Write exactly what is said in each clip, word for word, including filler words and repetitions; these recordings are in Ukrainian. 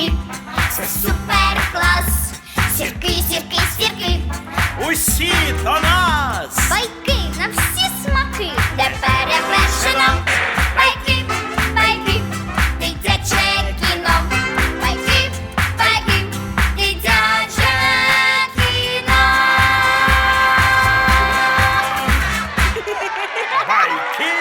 смаки, це супер клас. Сірки, сірки, сірки, Усі до нас! байки на всі смаки, де перевершено. Байки, байки, дитяче кіно. Байки, байки, дитяче кіно. Байки!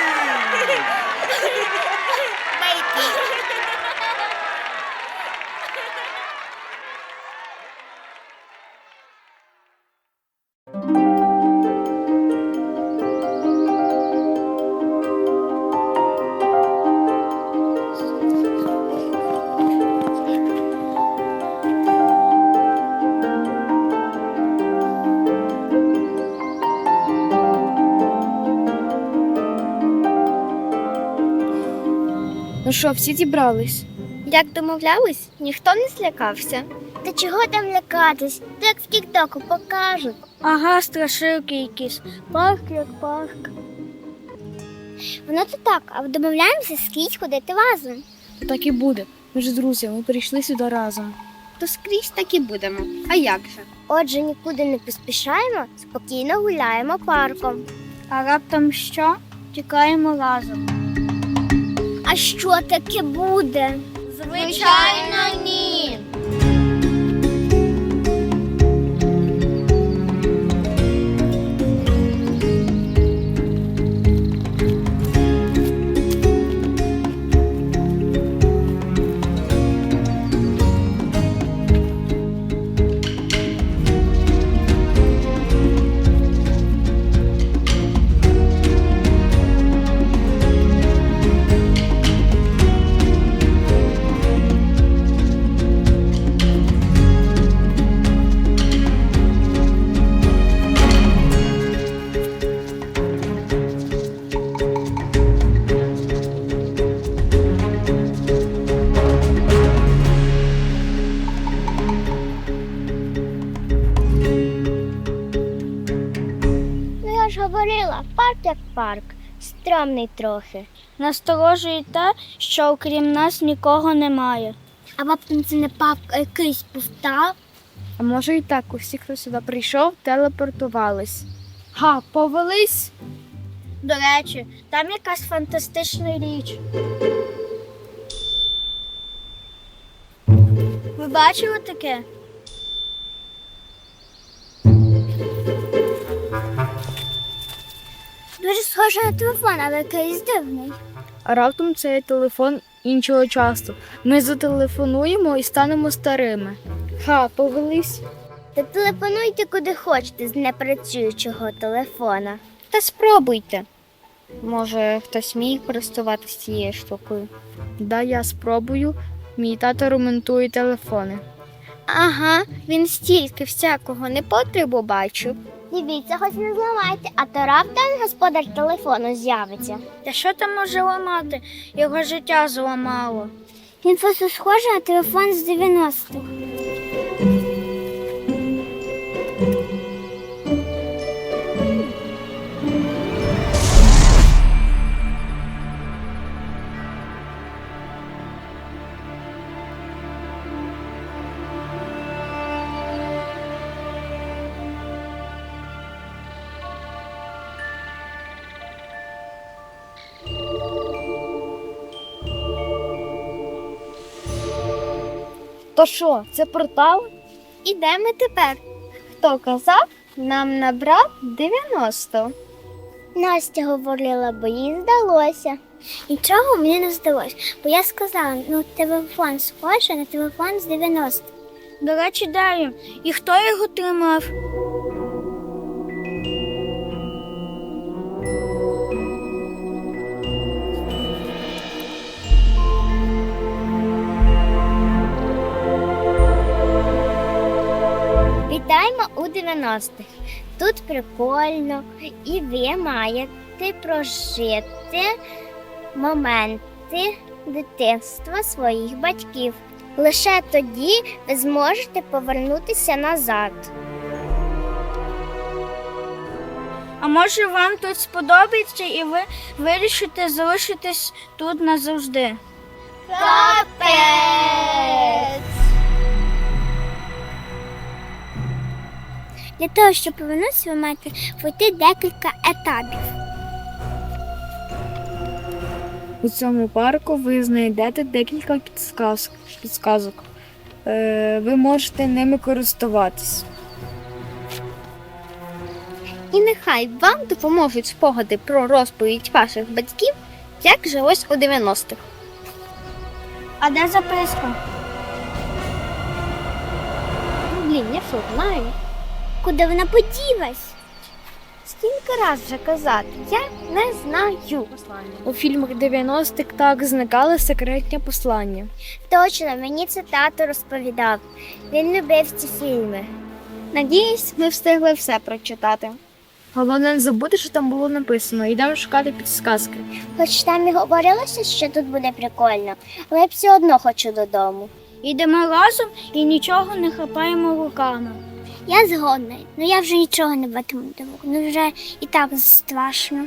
Ну що, всі зібрались? Як домовлялись, ніхто не злякався. Та чого там лякатись? То як в тік-току покажуть. Ага, страшилки якісь. Парк як парк. Воно то так, а домовляємося скрізь ходити разом. Так і буде. Ми ж друзі, ми прийшли сюди разом. То скрізь так і будемо. А як же? Отже, нікуди не поспішаємо, спокійно гуляємо парком. А раптом що? Тікаємо разом. А що таке буде? Звичайно, ні. Ну я ж говорила, парк як парк. Стрьомний трохи. Насторожує те, що окрім нас нікого немає. А раптом це не парк, а якийсь повстав. А може і так, усі, хто сюди прийшов, телепортувались. Га, повелись? До речі, там якась фантастична річ. Ви бачили таке? Дуже схоже на телефон, але якийсь дивний. А раптом це є телефон іншого часу. Ми зателефонуємо і станемо старими. Ха, повелись? Та телефонуйте куди хочете з непрацюючого телефона. Та спробуйте. Може, хтось вміє користуватися цією штукою. Да, я спробую. Мій тато ремонтує телефони. Ага, він стільки всякого непотребу бачив. Дивіться, хоч не зламайте, а то раптом господар телефону з'явиться. Та що там може ламати? Його життя зламало. Він просто схожий на телефон з дев'яностих. То що, це портал? І де ми тепер? Хто казав, нам набрав дев'яносто. Настя говорила, бо їй здалося. Нічого мені не здалося, бо я сказала, ну телефон схожий на телефон з дев'яностих. До речі, Дар'я, і хто його тримав? Вітаємо у дев'яностих. Тут прикольно, і ви маєте прожити моменти дитинства своїх батьків. Лише тоді ви зможете повернутися назад. А може вам тут сподобається і ви вирішите залишитись тут назавжди? Капець! Для того, щоб повернутися, ви маєте пройти декілька етапів. У цьому парку ви знайдете декілька підсказ- підсказок. Е, ви можете ними користуватись. І нехай вам допоможуть спогади про розповідь ваших батьків, як жилось у дев'яностих. А де записка? Блін, я що, знаю. Куди вона поділась? Скільки раз вже казати? Я не знаю. У фільмах дев'яностих так зникали секретні послання. Точно, мені це тато розповідав. Він любив ці фільми. Надіюсь, ми встигли все прочитати. Головне не забути, що там було написано. Йдемо шукати підсказки. Хоч там і говорилося, що тут буде прикольно, але я все одно хочу додому. Йдемо разом і нічого не хапаємо руками. Я згодна, але я вже нічого не батиму до рук. Ну вже і так страшно.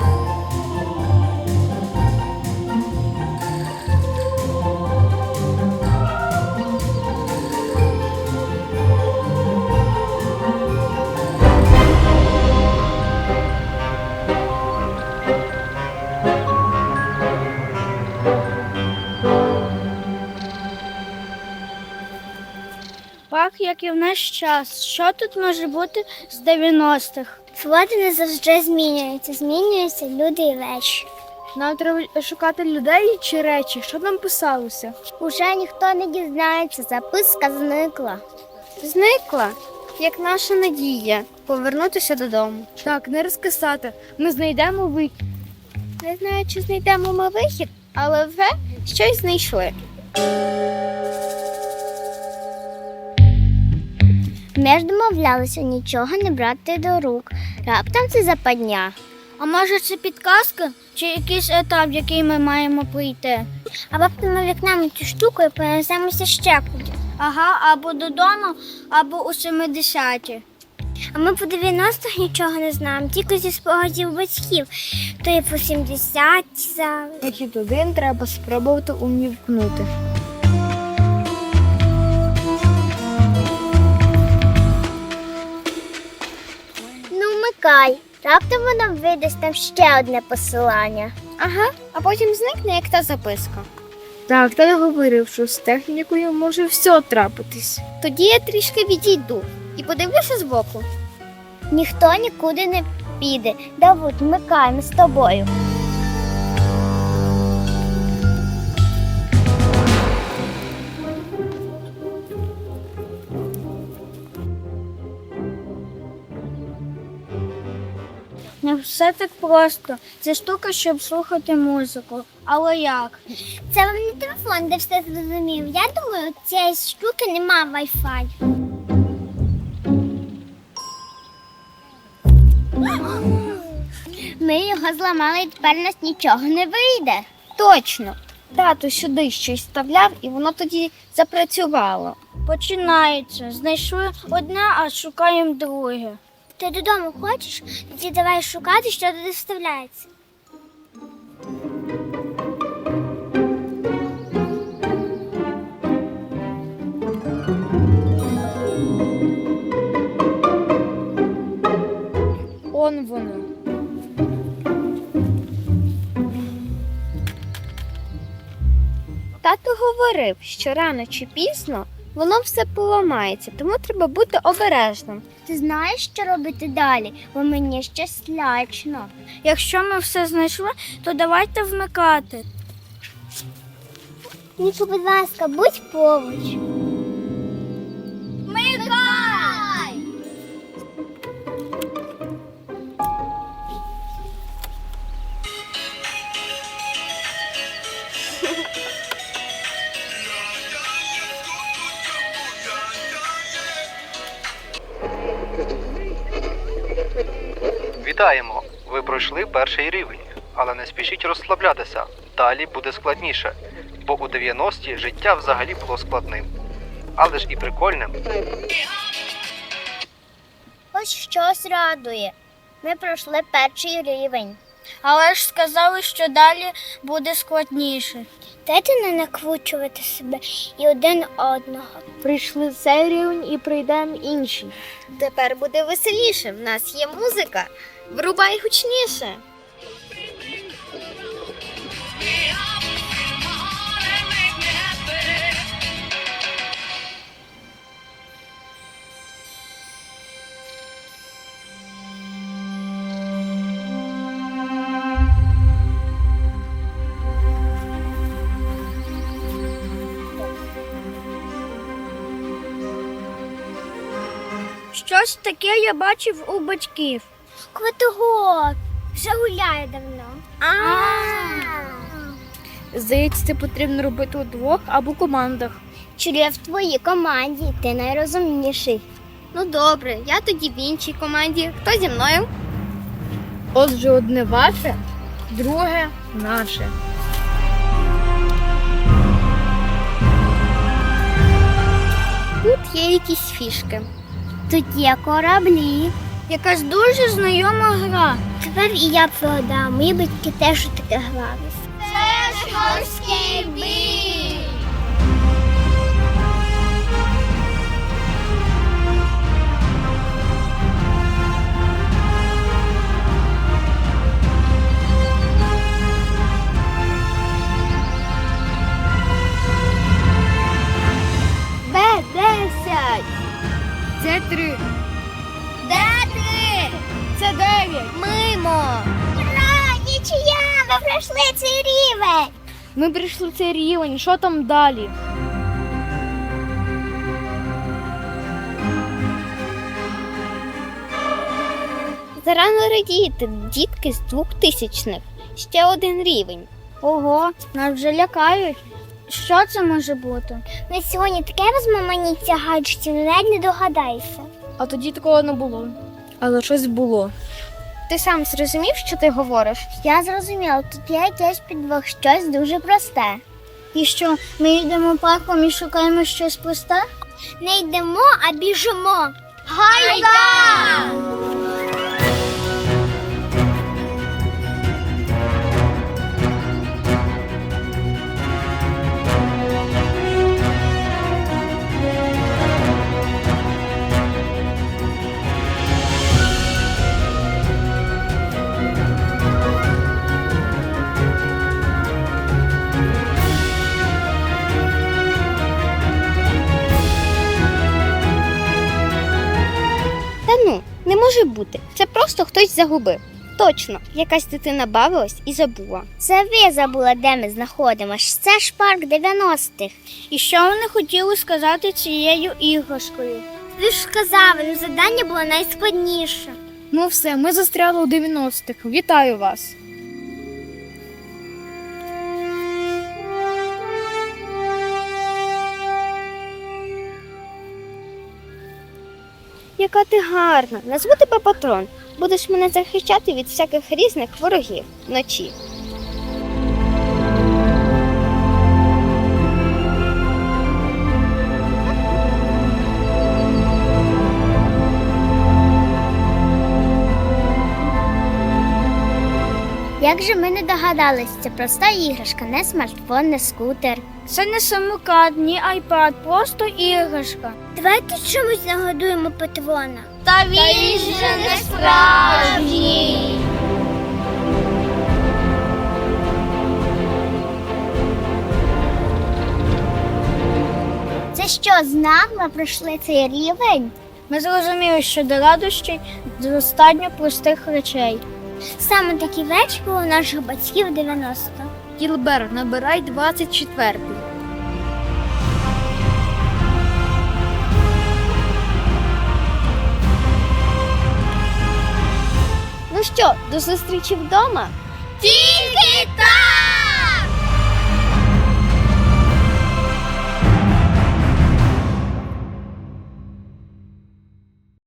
Так, як і в наш час. Що тут може бути з дев'яностих? Свобода не завжди змінюється. Змінюються люди і речі. Нам треба шукати людей чи речі. Що там писалося? Уже ніхто не дізнається, записка зникла. Зникла, як наша надія, повернутися додому. Так, не розкисати. Ми знайдемо вихід. Не знаю, чи знайдемо ми вихід, але вже щось знайшли. Ми ж домовлялися нічого не брати до рук. Раптом це западня. А може це підказка чи якийсь етап, який ми маємо пройти? А раптом ми вікнемо цю штуку і перенесемося ще кудись. Ага, або додому, або у семидесяті. А ми по дев'яностих нічого не знаємо, тільки зі спогадів батьків. То і по сімдесяті зараз. Вихід один треба спробувати увімкнути. Ну, вмикай. Раптом воно видасть там ще одне посилання. Ага, а потім зникне, як та записка. Так, та я говорив, що з технікою може все трапитись. Тоді я трішки відійду і подивлюся збоку. Ніхто нікуди не піде. Давид, вмикай, ми з тобою. Не все так просто. Це штука, щоб слухати музику. Але як? Це вам не телефон, де все зрозумів. Я думаю, у цієї штуки нема Wi-Fi. Ми його зламали і тепер у нас нічого не вийде. Точно. Тато сюди щось вставляв, і воно тоді запрацювало. Починається. Знайшли одне, а шукаємо друге. Ти додому хочеш? Тоді давай шукати, що туди вставляється. Он воно. Тато говорив, що рано чи пізно воно все поламається, тому треба бути обережним. Ти знаєш, що робити далі, бо мені ще слячно. Якщо ми все знайшли, то давайте вмикати. Ніко, будь ласка, будь поруч. Вітаємо! Ви пройшли перший рівень, але не спішіть розслаблятися. Далі буде складніше, бо у дев'яності життя взагалі було складним. Але ж і прикольним. Ось щось радує. Ми пройшли перший рівень. Але ж сказали, що далі буде складніше. Дайте не накручувати себе і один одного. Прийшли цей рівень і прийдемо інший. Тепер буде веселіше. В нас є музика. Врубай гучніше. Щось таке я бачив у батьків. Квитогок. Вже гуляє давно. Здається, це потрібно робити удвох або командах. Чур я в твоїй команді, ти найрозумніший. Ну добре, я тоді в іншій команді. Хто зі мною? Отже, одне ваше, друге наше. Тут є якісь фішки. Тут є кораблі. Якась дуже знайома гра. Тепер і я пригадав, мої батьки теж у таке грались. Це ж морський бій! Б десять. Це три. Де ти? Це дев'ять. Мимо. Ура! Нічия! Ми пройшли цей рівень! Ми прийшли в цей рівень. Що там далі? Зарано радіти, дітки з двохтисячних. Ще один рівень. Ого, нас вже лякають. Що це може бути? Ми сьогодні таке розмаманіття гаджетів, навіть не догадайся. А тоді такого не було. Але щось було. Ти сам зрозумів, що ти говориш? Я зрозуміла, тут є якесь підвох, щось дуже просте. І що, ми йдемо парком і шукаємо щось просте? Не йдемо, а біжимо. Гайда! Та ну, не може бути. Це просто хтось загубив. Точно, якась дитина бавилась і забула. Це ви забули, де ми знаходимося. Це ж парк дев'яностих. І що вони хотіли сказати цією іграшкою? Ви ж сказали, ну завдання було найскладніше. Ну все, ми застряли у дев'яностих. Вітаю вас. Яка ти гарна. Назву тебе патрон. Будеш мене захищати від всяких різних ворогів вночі. Як же ми не догадались, це проста іграшка, не смартфон, не скутер. Це не самокат, ні айпад, просто іграшка. Давайте чомусь нагодуємо патрона. Та він же не справжній. Це що, знак ми пройшли цей рівень? Ми зрозуміли, що до радощів достатньо простих речей. Саме такі речі були у наших батьків дев'яносто. Кілбер, набирай двадцять четвертий. Ну що, до зустрічі вдома? Тільки так!